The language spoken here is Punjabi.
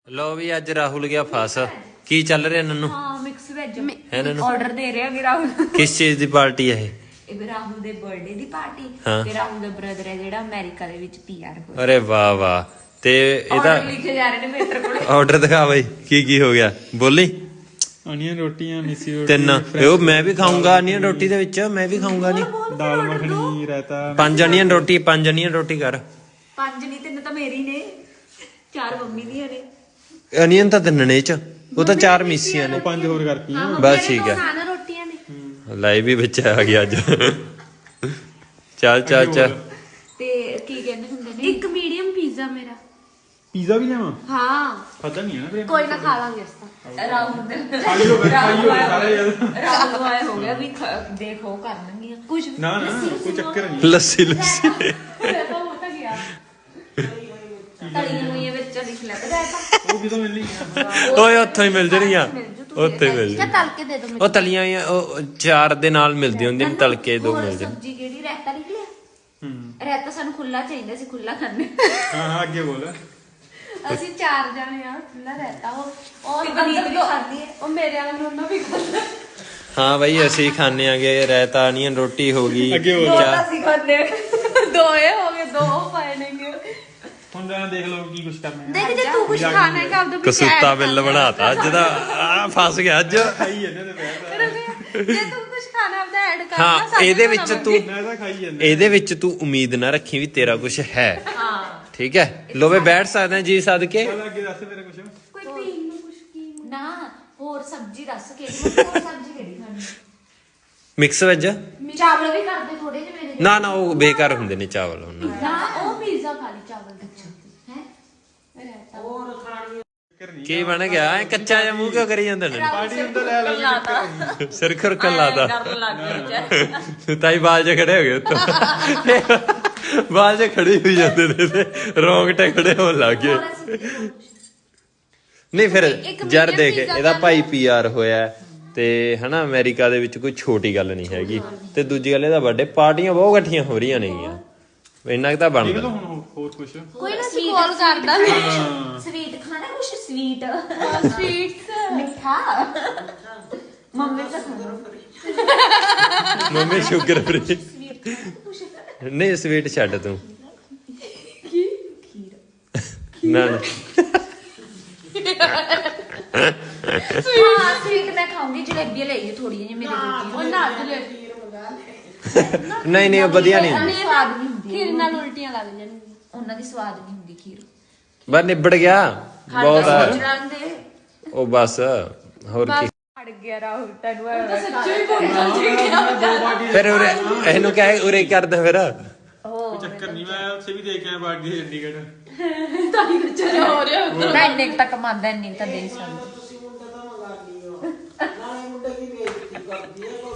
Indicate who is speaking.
Speaker 1: लो भी अज राहुल गया फस की चल रहा नन्नू
Speaker 2: हाँ मिक्स वेज
Speaker 1: है नन्नू
Speaker 2: ऑर्डर दे रहे हैं राहुल
Speaker 1: किस चीज ਦੀ ਪਾਰਟੀ ਹੈ
Speaker 2: ਇਹ ਰਾਹੁਲ ਦੇ ਬਰਥਡੇ ਦੀ ਪਾਰਟੀ
Speaker 1: ਹਾਂ।
Speaker 2: ਤੇ ਰਾਹੁਲ ਦਾ ਬ੍ਰਦਰ ਹੈ ਜਿਹੜਾ ਅਮਰੀਕਾ ਦੇ ਵਿੱਚ ਪੀਆਰ ਹੋਇਆ
Speaker 1: ਅਰੇ ਵਾਹ ਵਾਹ ਤੇ ਇਹਦਾ
Speaker 2: ਆਰਡਰ ਲਿਖੇ ਜਾ ਰਹੇ ਨੇ ਮੇਰੇ ਕੋਲ
Speaker 1: ਆਰਡਰ ਦਿਖਾ ਬਈ ਕੀ ਹੋ ਗਿਆ ਬੋਲੀ
Speaker 3: ਅਨੀਅਨ ਰੋਟੀਆਂ ਮਿੱਸੀ ਰੋਟੀ
Speaker 1: ਤਿੰਨ ਉਹ ਮੈਂ ਵੀ ਖਾਊਂਗਾ ਅਨੀਅਨ ਰੋਟੀ ਦੇ ਵਿੱਚ ਮੈਂ ਵੀ ਖਾਊਂਗਾ ਨਹੀਂ
Speaker 3: ਦਾਲ ਮੱਖਣੀ ਰਾਇਤਾ
Speaker 1: ਪੰਜ ਅਨੀਅਨ ਰੋਟੀ ਕਰ
Speaker 2: ਪੰਜ ਨਹੀਂ ਤਿੰਨ ਤਾਂ ਮੇਰੀ ਨੇ ਚਾਰ ਮੰਮੀ ਦੀਆਂ ਨੇ
Speaker 1: ਅਨੀਅਨ ਤਾਂ ਤਿੰਨ ਨੇ ਚ ਉਹ ਤਾਂ ਚਾਰ ਮਿਸੀਆਂ ਨੇ
Speaker 3: ਪੰਜ ਹੋਰ ਕਰਤੀਆਂ
Speaker 1: ਬਸ ਠੀਕ ਹੈ
Speaker 2: ਖਾਣਾ ਰੋਟੀਆਂ ਨੇ
Speaker 1: ਲਾਈਵ ਵੀ ਵਿੱਚ ਆ ਗਿਆ ਅੱਜ ਚੱਲ
Speaker 2: ਤੇ ਕੀ ਕਹਿੰਦੇ ਹੁੰਦੇ ਨੇ
Speaker 4: ਇੱਕ ਮੀਡੀਅਮ ਪੀਜ਼ਾ ਮੇਰਾ
Speaker 3: ਪੀਜ਼ਾ ਵੀ ਲਿਆਵਾਂ
Speaker 4: ਹਾਂ
Speaker 3: ਖਾਦਾ ਨਹੀਂ ਹੈ ਨਾ ਫਿਰ
Speaker 4: ਕੋਈ ਨਾ ਖਾ ਲਾਂਗੇ ਇਸ ਤਾਂ
Speaker 2: ਰਾਹੁਲ ਦੇ
Speaker 3: ਖਾਈ ਹੋ ਗਏ ਸਾਰੇ ਯਾਰ
Speaker 2: ਰਾਹੁਲ ਨੂੰ ਆਇਆ ਹੋ ਗਿਆ ਵੀ ਦੇਖੋ ਕਰਨਗੀਆਂ ਕੁਝ
Speaker 3: ਨਾ ਕੋਈ ਚੱਕਰ ਨਹੀਂ
Speaker 1: ਲੱਸੀ
Speaker 2: ਤਾਂ ਹੋ ਤਾਂ ਗਿਆ ਤਲੀਆਂ ਹੋਈਆਂ ਵਿੱਚ ਲਿਖ ਲੈ ਤਾਂ
Speaker 3: ਉਹ ਕਿਦੋਂ ਮਿਲਣੀ ਆ
Speaker 1: ਓਏ ਉੱਥੋਂ ਹੀ ਮਿਲ ਜਣੀਆਂ ਉੱਥੇ ਮਿਲ
Speaker 4: ਜਾਂ ਤਲ ਕੇ ਦੇ ਦੋ
Speaker 1: ਉਹ ਤਲੀਆਂ ਹੋਈਆਂ ਉਹ ਚਾਰ ਦੇ ਨਾਲ ਮਿਲਦੀ ਹੁੰਦੀ ਨੇ ਤਲਕੇ ਦੋ ਮਿਲ ਜਾਂਦੇ
Speaker 2: ਸਬਜ਼ੀ ਕਿਹੜੀ ਰਹਿਤਾ ਲਿਖ ਲਿਆ ਰਹਿਤਾ ਸਾਨੂੰ ਖੁੱਲਾ ਚਾਹੀਦਾ ਸੀ ਖੁੱਲਾ ਖਾਣੇ
Speaker 3: ਹਾਂ ਅੱਗੇ ਬੋਲ
Speaker 4: ਅਸੀਂ ਚਾਰ ਜਣੇ ਆ ਖੁੱਲਾ ਰਹਿਤਾ ਉਹ
Speaker 2: ਤੇ ਪਨੀਰ ਵੀ ਖਾਂਦੀ ਹੈ
Speaker 4: ਉਹ ਮੇਰੇ ਵਾਲਾ ਨੋਨਾ ਵੀ ਖਾਂਦਾ
Speaker 1: ਹਾਂ ਬਈ ਅਸੀਂ ਖਾਣੇ ਆਗੇ ਰਾਇਤਾ ਅਨੀਅਨ ਰੋਟੀ ਹੋ ਗਈ
Speaker 3: ਅੱਗੇ ਬੋਲ
Speaker 2: ਤਾਂ ਅਸੀਂ ਖਾਂਦੇ
Speaker 4: ਦੋਏ ਹੋ ਗਏ ਦੋ ਪਾਏ ਨੇਗੇ
Speaker 3: ਹੁਣ ਜਾਣਾ ਦੇਖ ਲਓ ਕੀ ਕੁਝ ਕਰਨਾ ਹੈ
Speaker 4: ਦੇਖ ਜੇ ਤੂੰ ਕੁਝ ਖਾਣਾ ਹੈ ਆਪਦੇ ਵਿੱਚ
Speaker 1: ਕਸੂਤਾ ਬਿੱਲ ਬਣਾਤਾ ਅੱਜ ਦਾ ਆ ਫਸ ਗਿਆ ਅੱਜ
Speaker 3: ਖਾਈ ਜਾਂਦੇ ਨੇ ਬੈਠ
Speaker 4: ਜੇ ਤੂੰ ਕੁਝ ਖਾਣਾ ਆਪਦਾ ਐਡ ਕਰ
Speaker 1: ਹਾਂ ਇਹਦੇ ਵਿੱਚ ਤੂੰ
Speaker 3: ਮੈਂ ਤਾਂ ਖਾਈ ਜਾਂਦੇ
Speaker 1: ਇਹਦੇ ਵਿੱਚ ਤੂੰ ਉਮੀਦ ਨਾ ਰੱਖੀ ਵੀ ਤੇਰਾ ਕੁਝ ਹੈ
Speaker 2: ਹਾਂ
Speaker 1: ਠੀਕ ਹੈ ਲੋਵੇ ਬੈਠ ਸਕਦੇ ਜੀ ਸਦਕੇ
Speaker 3: ਚੱਲ ਅੱਗੇ ਦੱਸ ਮੇਰੇ ਕੁਝ
Speaker 4: ਕੋਈ ਪੀਣ ਨੂੰ ਕੁਝ ਕੀ
Speaker 2: ਨਾ ਹੋਰ ਸਬਜ਼ੀ ਦੱਸ ਕਿਹੜੀ ਹੋਰ ਸਬਜ਼ੀ ਕਿਹੜੀ ਖਾਣੀ
Speaker 1: ਮਿਕਸ ਵੈਜ
Speaker 4: ਚਾਵਲ ਵੀ ਕਰਦੇ ਥੋੜੇ ਜਿਹੇ ਮੇਰੇ
Speaker 1: ਨਾ ਉਹ ਬੇਕਾਰ ਹੁੰਦੇ ਨੇ ਚਾਵਲ ਉਹਨਾਂ ਦੇ।
Speaker 4: ਨਾ ਉਹ ਪੀਜ਼ਾ ਖਾ ਲਈ ਚਾਵਲ ਦੇ ਹੈ
Speaker 1: ਕੀ ਬਣ ਗਿਆ ਐ ਕੱਚਾ ਜਿਹਾ ਮੂੰਹ ਕਿਉਂ ਕਰੀ ਜਾਂਦੇ ਨੇ
Speaker 3: ਪਾਰਟੀ ਅੰਦਰ ਲੈ ਲੈ
Speaker 1: ਸਿਰ ਖੁਰਕਣ ਲਾਦਾ
Speaker 2: ਡਰ ਲੱਗ ਗਿਆ
Speaker 1: ਤਾਈ ਬਾਲ ਜੇ ਖੜੇ ਹੋ ਗਏ ਉੱਤੋਂ ਬਾਲ ਜੇ ਖੜੇ ਹੋਈ ਜਾਂਦੇ ਨੇ ਤੇ ਰੌਂਗਟੇ ਖੜੇ ਹੋਣ ਲੱਗ ਗਏ ਨਹੀਂ ਫਿਰ ਯਾਰ ਦੇਖ ਇਹਦਾ ਭਾਈ ਪੀਆਰ ਹੋਇਆ ਤੇ ਹਨਾ ਅਮਰੀਕਾ ਦੇ ਵਿੱਚ ਕੋਈ ਛੋਟੀ ਗੱਲ ਨਹੀਂ ਹੈਗੀ ਤੇ ਦੂਜੀ ਗੱਲ ਇਹਦਾ ਬਰਥਡੇ ਪਾਰਟੀਆਂ ਬਹੁਤ ਇਕੱਠੀਆਂ ਹੋ ਰਹੀਆਂ ਨੇਗੀਆਂ ਇੰਨਾ ਕਿ ਤਾਂ
Speaker 3: ਦੇਖ
Speaker 1: ਬਣਦਾ
Speaker 3: ਲਓ ਹੁਣ ਹੋਰ ਕੁਝ
Speaker 4: ਕੋਈ ਨਾ ਕਾਲ ਕਰਦਾ
Speaker 2: ਸਵੀਟ ਖਾਣਾ ਕੁਛ ਸਵੀਟ
Speaker 4: ਸਵੀਟਸ
Speaker 2: ਮਿੱਠਾ ਮੰਮੀ ਤਾਂ ਖਾਣਾ
Speaker 1: ਮੰਮੀ ਸ਼ੂਗਰ ਫਰੀ ਨਹੀਂ ਸਵੀਟ ਛੱਡ ਤੂੰ ਨਾ ਨਾ
Speaker 2: ਹਾਂ ਸਵੀਟ ਮੈਂ ਖਾਉਂਗੀ ਜਲੇਬੀ ਲੈ ਜੀ ਥੋੜੀ ਜਿਹੀ ਮੇਰੇ
Speaker 4: ਉਹ
Speaker 2: ਲਈ
Speaker 4: ਨਾਲ ਜਲੇਬੀ
Speaker 1: ਨਹੀਂ ਉਹ ਵਧੀਆ ਨਹੀਂ ਹੁੰਦੀ
Speaker 2: ਸਵਾਦ ਨਹੀਂ ਹੁੰਦੀ
Speaker 4: ਖੀਰ ਨਾਲ ਉਲਟੀਆਂ ਲੱਗ ਜਾਣਗੀਆਂ
Speaker 2: ਉਹਨਾਂ ਦੀ ਸਵਾਦ ਨਹੀਂ ਹੁੰਦੀ ਖੀਰ
Speaker 1: ਬਸ ਨਿਬੜ ਗਿਆ ਬਹੁਤ ਆ
Speaker 2: ਜਾਂਦੇ
Speaker 1: ਉਹ ਬਸ ਹੋਰ ਕੀ
Speaker 2: ਅੜ ਗਿਆ ਰਾਹੁਲ ਤੈਨੂੰ
Speaker 1: ਫਿਰ ਉਰੇ ਇਹਨੂੰ ਕਹਿ ਉਰੇ ਕਰਦਾ ਫਿਰ
Speaker 3: ਕੋਈ ਚੱਕਰ ਨਹੀਂ ਮੈਂ ਉੱਥੇ ਵੀ ਦੇਖ ਆਇਆ ਬਾਗੀ ਚੰਡੀਗੜ੍ਹ
Speaker 2: ਮੈਂ ਇੰਨੇ ਕੁ ਤੱਕ ਮੰਨਦਾ ਇੰਨੇ ਕੁ ਤਾਂ ਦੇ ਸਕਦਾ